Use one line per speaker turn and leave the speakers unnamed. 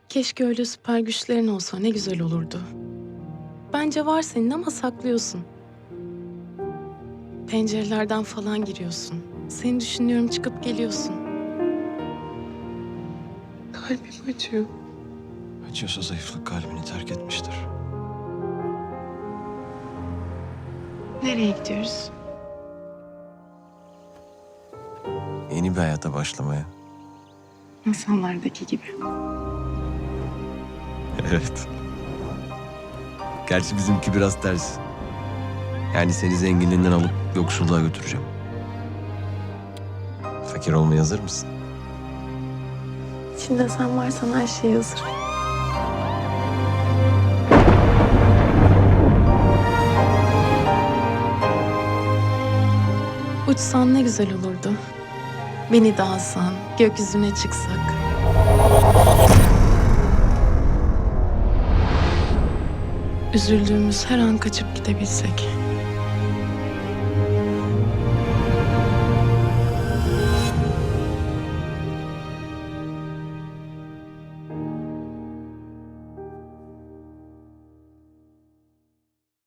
Keşke öyle süper güçlerin olsa ne güzel olurdu. Bence var senin ama saklıyorsun. Pencerelerden falan giriyorsun. Seni düşünüyorum çıkıp geliyorsun.
Kalbim acıyor.
Acıyorsa zayıflık kalbini terk etmiştir.
Nereye gidiyoruz?
Yeni bir hayata başlamaya.
Masallardaki gibi.
Evet. Gerçi bizimki biraz ters. Yani seni zenginliğinden alıp yoksulluğa götüreceğim. Fakir olmaya hazır mısın?
İçinde sen varsan her şey hazır.
Uçsan ne güzel olurdu. Beni de alsan, gökyüzüne çıksak. Üzüldüğümüz her an kaçıp gidebilsek.